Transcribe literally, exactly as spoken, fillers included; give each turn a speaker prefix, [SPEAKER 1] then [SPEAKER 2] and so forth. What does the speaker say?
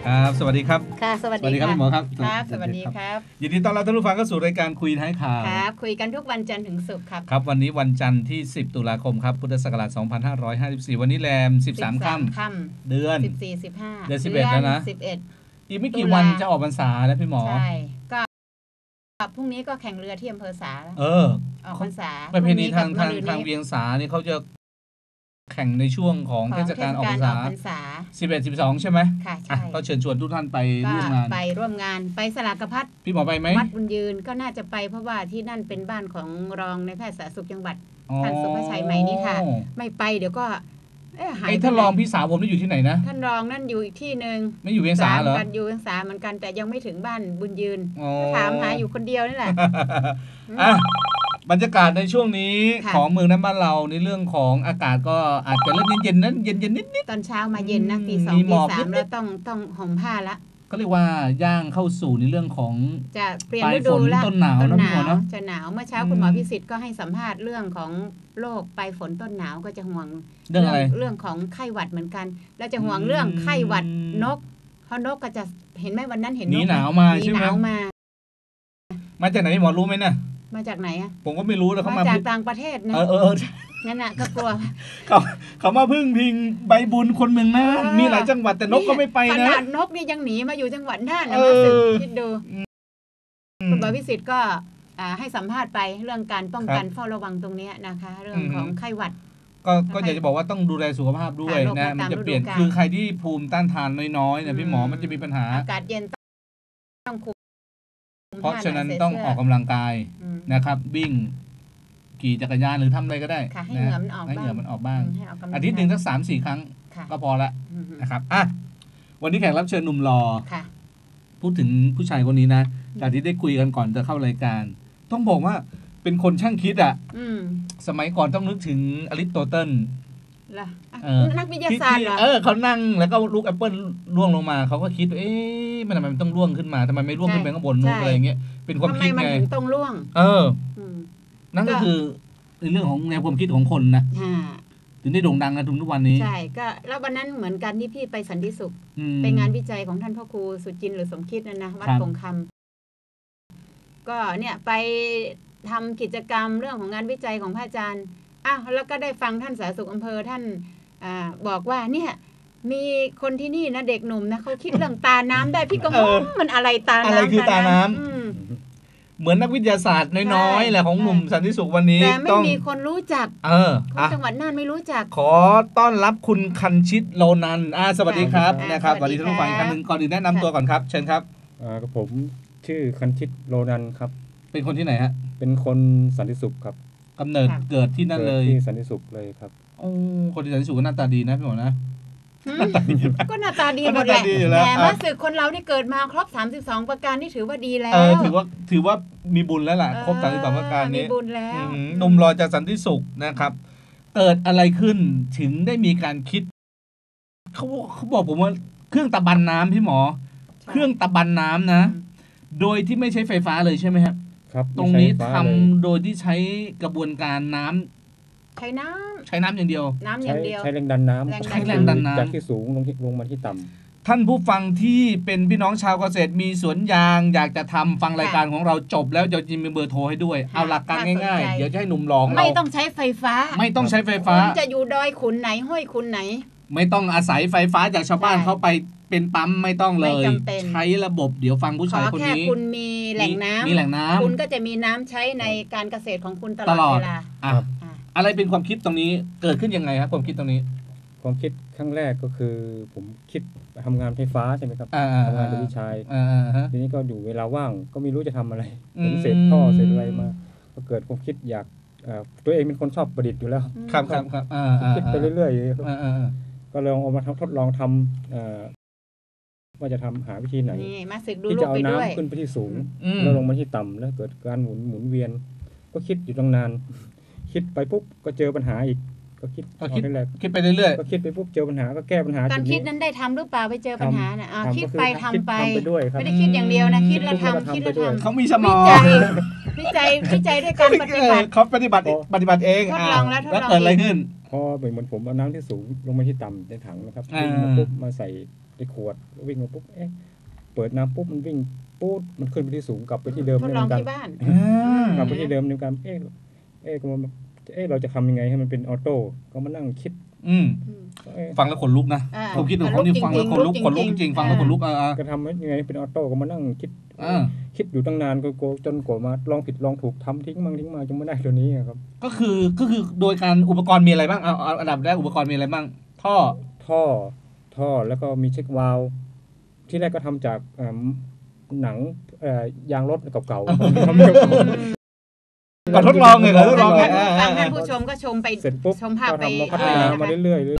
[SPEAKER 1] ครับสวัสดีครับ
[SPEAKER 2] ค่ะสวัสดี
[SPEAKER 1] ครับพี่หมอครับ
[SPEAKER 2] ครับสวัสดีครับ
[SPEAKER 1] ยินดีต้อนรับท่านผู้ฟังเข้าสู่รายการคุยท้ายข่าว
[SPEAKER 2] ครับคุยกันทุกวันจันทร์ถึงศุกร์ครับ
[SPEAKER 1] ครับวันนี้วันจันทร์ที่สิบตุลาคมครับพุทธศักราชสองพันห้าร้อยห้าสิบสี่วันนี้แรมสิบสามค่ำเดือน
[SPEAKER 2] สิบสี่ สิบห้า
[SPEAKER 1] เดือนสิบเอ็ดแล้วนะ
[SPEAKER 2] สิบเอ็ด
[SPEAKER 1] อีกไม่กี่วันจะออกพรรษาแล้วพี่หมอ
[SPEAKER 2] ใช่ก็พรุ่งนี้ก็แข่งเรือที่อำเภอสา
[SPEAKER 1] เออ
[SPEAKER 2] ออกพรรษา
[SPEAKER 1] ประเพณีทางทางทางเวียงสาเนี่ยเขาจะแข่งในช่วงของเทศกาลออกพรรษาสิบเอ็ด สิบสองใช่ไหม
[SPEAKER 2] ค่ะใช่
[SPEAKER 1] ก็เชิญชวนทุกท่านไปร่วมงาน
[SPEAKER 2] ไปร่วมงานไปสลากพัด
[SPEAKER 1] พี่หมอไปไหม
[SPEAKER 2] วัดบุญยืนก็น่าจะไปเพราะว่าที่นั่นเป็นบ้านของรองในแพทย์สาธารณสุขจังหวัดท่านสุภชัยใหม่นี่ค่ะไม่ไปเดี๋ยวก็
[SPEAKER 1] ไอ้ท่านรองพี่สาวผมนี่อยู่ที่ไหนนะ
[SPEAKER 2] ท่านรองนั่นอยู่อีกที่นึง
[SPEAKER 1] ไม่อยู่เวียงสาเหรอ
[SPEAKER 2] กันอยู่เวียงสาเหมือนกันแต่ยังไม่ถึงบ้านบุญยืนถามหาอยู่คนเดียวนี่แหละ
[SPEAKER 1] บรรยากาศในช่วงนี้ของเมืองนั้นบ้านเราในเรื่องของอากาศก็อาจจะเริ่มเย็นๆนั้นเย็นๆนิด
[SPEAKER 2] ๆตอนเช้ามาเย็นนะตีสองตีสามแล้วต้องต้องห่มผ้าละ
[SPEAKER 1] ก็เรียกว่าย่างเข้าสู่ในเรื่องของ
[SPEAKER 2] จะเปลี่ยนฤดูแล้ว
[SPEAKER 1] ต้นหนาวนะพี่หมอเนาะ
[SPEAKER 2] จะหนาวเมื่อเช้าคุณหมอพิสิทธิ์ก็ให้สัมภาษณ์เรื่องของโรคปลายฝนต้นหนาวก็จะห่วง
[SPEAKER 1] เรื่องอะไร
[SPEAKER 2] เรื่องของไข้หวัดเหมือนกันแล้วจะห่วงเรื่องไข้หวัดนกเพราะนกก็จะเห็นไหมวันนั้นเห็นนก
[SPEAKER 1] หนาวมาใช่ไหม
[SPEAKER 2] หนาวมา
[SPEAKER 1] มาจากไหนหมอรู้ไหมเนี่ย
[SPEAKER 2] มาจากไหนอ่ะ
[SPEAKER 1] ผมก็ไม่รู้แล้วเขา
[SPEAKER 2] มาจากต่างประเทศนะ
[SPEAKER 1] เออเออ
[SPEAKER 2] งั้นน่ะก็กลัว
[SPEAKER 1] เขาเขามาพึ่งพิงใบบุญคนเมืองน่านมีหลายจังหวัดแต่นกก็ไม่ไปนะ
[SPEAKER 2] ขนาดนกนี่ยังหนีมาอยู่จังหวัดน่านนะมาสึกคิดดูคุณหมอพิสิทธิ์ก็ให้สัมภาษณ์ไปเรื่องการป้องกันเฝ้าระวังตรงนี้นะคะเรื่องของไข้หวัด
[SPEAKER 1] ก็ก็อยากจะบอกว่าต้องดูแลสุขภาพด้วยนะมันจะเปลี่ยนคือใครที่ภูมิต้านทานน้อยๆเนี่ยพี่หมอมันจะมีปัญหา
[SPEAKER 2] อากาศเย็นต้องคุม
[SPEAKER 1] เพราะฉะนั้นต้องออกกำลังกายนะครับวิ่งขี่จักรยานหรือทำอะไรก็ได้
[SPEAKER 2] ให้เหงื่อมันออกบ้าง
[SPEAKER 1] ให้เหงื่อมันออกบ้างอาทิตย์หนึ่งสักสามสี่ครั้งก็พอละนะครับอ่ะวันนี้แขกรับเชิญหนุ่มหล่อพูดถึงผู้ชายคนนี้นะจากที่ได้คุยกันก่อนจะเข้ารายการต้องบอกว่าเป็นคนช่างคิดอ่ะสมัยก่อนต้องนึกถึงอริสโตเติล
[SPEAKER 2] นักวิทยาศาสตร์เหรอ
[SPEAKER 1] เออเขานั่งแล้วก็ลูกแอปเปิลร่วงลงมาเขาก็คิดเอ๊ะมันทำไมมันต้องร่วงขึ้นมาทำไมไม่ร่วงขึ้นไปข้างบนนู่นอะไรอย่างเงี้ยเป็นความคิดไง
[SPEAKER 2] ทำไมมันถึงต้องร่วง
[SPEAKER 1] เออนั่นก็คือในเรื่องของแนวความคิดของคนนะถึงได้โด่งดังกันถึงทุกวันนี้
[SPEAKER 2] ใช่ก็แล้ววันนั้นเหมือนกันที่พี่ไปสันติสุขไปงานวิจัยของท่านพ่อครูสุจินต์หรือสมคิดนั่นนะวัดคงคำก็เนี่ยไปทำกิจกรรมเรื่องของงานวิจัยของพระอาจารย์อ้าวแล้วก็ได้ฟังท่านสาธารณสุขอำเภอท่านอ่าบอกว่าเนี่ยมีคนที่นี่นะเด็กหนุ่มนะเขาคิดเรื่องตาน้ำได้พี่ก็งงมันอะไรตาน้ำ
[SPEAKER 1] อะไรคือตาน้ำเหมือนนักวิทยาศาสตร์น้อยๆแหละของหนุ่มสันติสุขวันนี้
[SPEAKER 2] แต่ไม่มีคนรู้จัก
[SPEAKER 1] เออ
[SPEAKER 2] คนจังหวัดน่านไม่รู้จัก
[SPEAKER 1] ขอต้อนรับคุณคันชิตโลนันอ่าสวัสดีครับนะครับสวัสดีท่านผู้ฟังอีกครั้งนึงก่อนอื่นแนะนำตัวก่อนครับเชิญครับ
[SPEAKER 3] อ่าผมชื่อคันชิตโลนันครับ
[SPEAKER 1] เป็นคนที่ไหนฮะ
[SPEAKER 3] เป็นคนสันติสุขครับ
[SPEAKER 1] กำเนิดเกิดที่นั่นเลย
[SPEAKER 3] ที่สันติสุขเลยครับ
[SPEAKER 1] โอ้คนที่สันติสุขก็หน้าตาดีนะพี่หมอนะ
[SPEAKER 2] ก็หน้าตาดีหมดแหละแต่ว่าสึกคนเราที่เกิดมาครบสามสิบสองประการนี่ถือว่าดีแล้ว
[SPEAKER 1] เออถือว่าถือว่ามีบุญแล้วล่ะครบสามสิบสองประการนี้
[SPEAKER 2] มีบุญแล้ว
[SPEAKER 1] หนุ่มรอจากสันติสุขนะครับเกิดอะไรขึ้นถึงได้มีการคิดเขาเขาบอกผมว่าเครื่องตะบันน้ำพี่หมอเครื่องตะบันน้ำนะโดยที่ไม่ใช้ไฟฟ้าเลยใช่ไหมครับ
[SPEAKER 3] ครับ
[SPEAKER 1] ตรงนี้ทำโดยที่ใช้กระบวนการน้ำ
[SPEAKER 2] ใช้น้ำ
[SPEAKER 1] ใช้น้ำอย่างเดียว
[SPEAKER 2] น้ำอย่างเดียว
[SPEAKER 3] ใช้แรงดันน้ำ
[SPEAKER 1] ใช้แรงดันน้ำ
[SPEAKER 3] จากที่สูงลงที่ลงมาที่ต่
[SPEAKER 1] ำท่านผู้ฟังที่เป็นพี่น้องชาวเกษตรมีสวนยางอยากจะทำฟังรายการของเราจบแล้วเดี๋ยวจะมีเบอร์โทรให้ด้วยเอาหลักการง่ายๆเดี๋ยวจะให้หนุ่มหลองเรา
[SPEAKER 2] ไม่ต้องใช้ไฟฟ้า
[SPEAKER 1] ไม่ต้องใช้ไฟฟ้า
[SPEAKER 2] จะอยู่ดอยขุนไหนห้วยขุนไหน
[SPEAKER 1] ไม่ต้องอาศัยไฟฟ้าจากชาวบ้านเขาไปเป็นปั๊มไม่ต้องเลยใช้ระบบเดี๋ยวฟังผู้ชายคนนี้
[SPEAKER 2] ขอแค่คุณมีแหล่งน้ำ
[SPEAKER 1] มีแหล่งน้ำ
[SPEAKER 2] คุณก็จะมีน้ำใช้ในการเกษตรของคุณตลอดเวลา
[SPEAKER 1] อะไรเป็นความคิดตรงนี้เกิดขึ้นยังไงครับความคิดตรงนี้
[SPEAKER 3] ความคิดครั้งแรกก็คือผมคิดทำงานไฟฟ้าใช่ไหมครับทำงานโดยวิชัยทีนี้ก็อยู่เวลาว่างก็ไม่รู้จะทำอะไรผมเสร็จท่อเสร็จอะไรมาก็เกิดความคิดอยากตัวเองเป็นคนชอบประดิษฐ์อยู่แล้ว
[SPEAKER 1] ครับครับครับ
[SPEAKER 3] คิดไปเรื่อยๆก็ลองเอามาทดลองทำว่าจะทำหาวิธีไหนที่จะเอาน้ำขึ้นไปที่สูงแล้วลงมาที่ต่ำแล้วเกิดการหมุนหมุนเวียนก็คิดอยู่ตั้งนานคิดไปปุ๊บก็เจอปัญหาอีกก็คิด
[SPEAKER 1] คิดคิดไปเรื่อย
[SPEAKER 3] ๆก็คิดไปปุ๊บเจอปัญหาก็แก้ปัญหา
[SPEAKER 2] การคิดนั้นได้ทำหรือเปล่าไปเจอปัญหาน่ะคิดไปทำไปไม่ได้คิดอย่างเดียวนะคิดแล้วทำคิดแล้วทำ
[SPEAKER 1] เขามีสมอง
[SPEAKER 2] วิจัยวิจัยด้วยการปฏิบัติ
[SPEAKER 1] เขาปฏิบัติปฏิบัติเอง
[SPEAKER 2] ทดลองแล้ว
[SPEAKER 1] แล้วเกิดอะไรขึ้น
[SPEAKER 3] พอเหมือนผมเอาน้ำที่สูงลงมาที่ต่ำในถังนะครับมาปุ๊บมาใส่ไอ้ขวดวิ่งมาปุ๊บเอ๊ะเปิดน้ำปุ๊บมันวิ่งปุ๊บมันขึ้นไปที่สูงกลับไปที่เดิม
[SPEAKER 2] ทดลองที่บ้าน
[SPEAKER 3] กลับไปที่เดิมในการเอ๊ะเอ๊ะเอ๊ะเราจะทำยังไงให้มันเป็นออโต้ก็มานั่งคิด
[SPEAKER 1] อืมฟังแล้วขนลุกนะผมคิดถึงเขานี่ฟังแล้วขนลุกขนลุกจริงฟังแล้วขนลุกอ่า
[SPEAKER 3] จะทำยังไงเป็นออโต้ก็มานั่งคิดคิดอยู่ตั้งนานก็จนกว่ามาลองผิดลองถูกทำทิ้งมั่งทิ้งมาจนไม่ได้ตัวนี้ครับ
[SPEAKER 1] ก็คือก็คือโดยการอุปกรณ์มีอะไรบ้างเอาอันดับแรกอุปกรณ์มีอะไรบ้างท่อ
[SPEAKER 3] ท่อท่อแล้วก็มีเช็ควาล์วที่แรกก็ทำจากหนังยางรถเก่าๆ
[SPEAKER 1] ก่อนทดลองไงก่อนทดลองไง
[SPEAKER 2] ฟังท่านผู้ชมก็ชมไปชมภาพไป
[SPEAKER 3] พัฒนามาเรื่อยๆ